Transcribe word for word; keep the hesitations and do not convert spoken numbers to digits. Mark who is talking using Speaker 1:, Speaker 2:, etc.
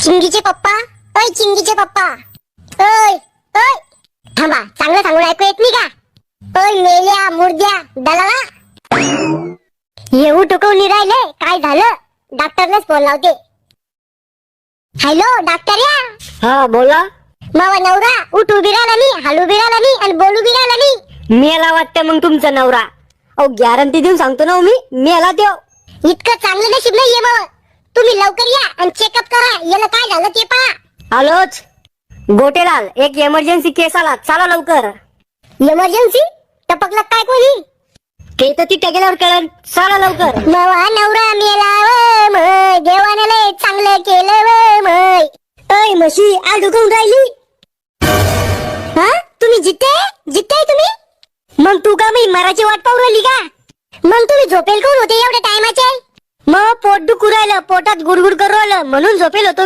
Speaker 1: चिंगीचे पप्पा, ओय चिंगीचे पप्पा, ओय ओय थांबा, चांगलं सांगून ऐकू येत नाही का? ओय मेल्या मुर्द्या दलाला, येऊ टुकवून राहिले, काय झालं? डॉक्टरलाच फोन लावते. हॅलो डॉक्टर या.
Speaker 2: हा बोला.
Speaker 1: मावा नवरा उठ उभी राहिला नाही, हालू बी राहिला नाही आणि बोलू बी राहिला नाही.
Speaker 2: मेला वाटतं मग तुमचा नवरा. अहो गॅरंटी देऊन सांगतो ना हो मी, मेला देव.
Speaker 1: इतकं चांगलं नशीब नाहीये मग. तुम्ही लवकर या आणि चेकअप करा, याला काय झालं ते पहा.
Speaker 2: आलोच. गोटेलाल, एक इमर्जन्सी केस आला, चला लवकर.
Speaker 1: इमर्जन्सी? टपकलं काय कोणी?
Speaker 2: ते तर तिथे गेल्यावर कळन, चला लवकर.
Speaker 1: मावा नवरा मेला व मय, देवाने लय चांगलं केलं व मय. ओय म्हशी आज ढुकून राहिली. हा तुम्ही जिते जिते तुम्ही?
Speaker 2: मग तू का मी मराठी वाट पाहू राहिली का?
Speaker 1: मग तुम्ही झोपेल कोण होते एवढ्या टायमाचे?
Speaker 2: मग पोट दुखू राहिलं, पोटात गुडगुड करू राहिलं म्हणून झोपेल होतो.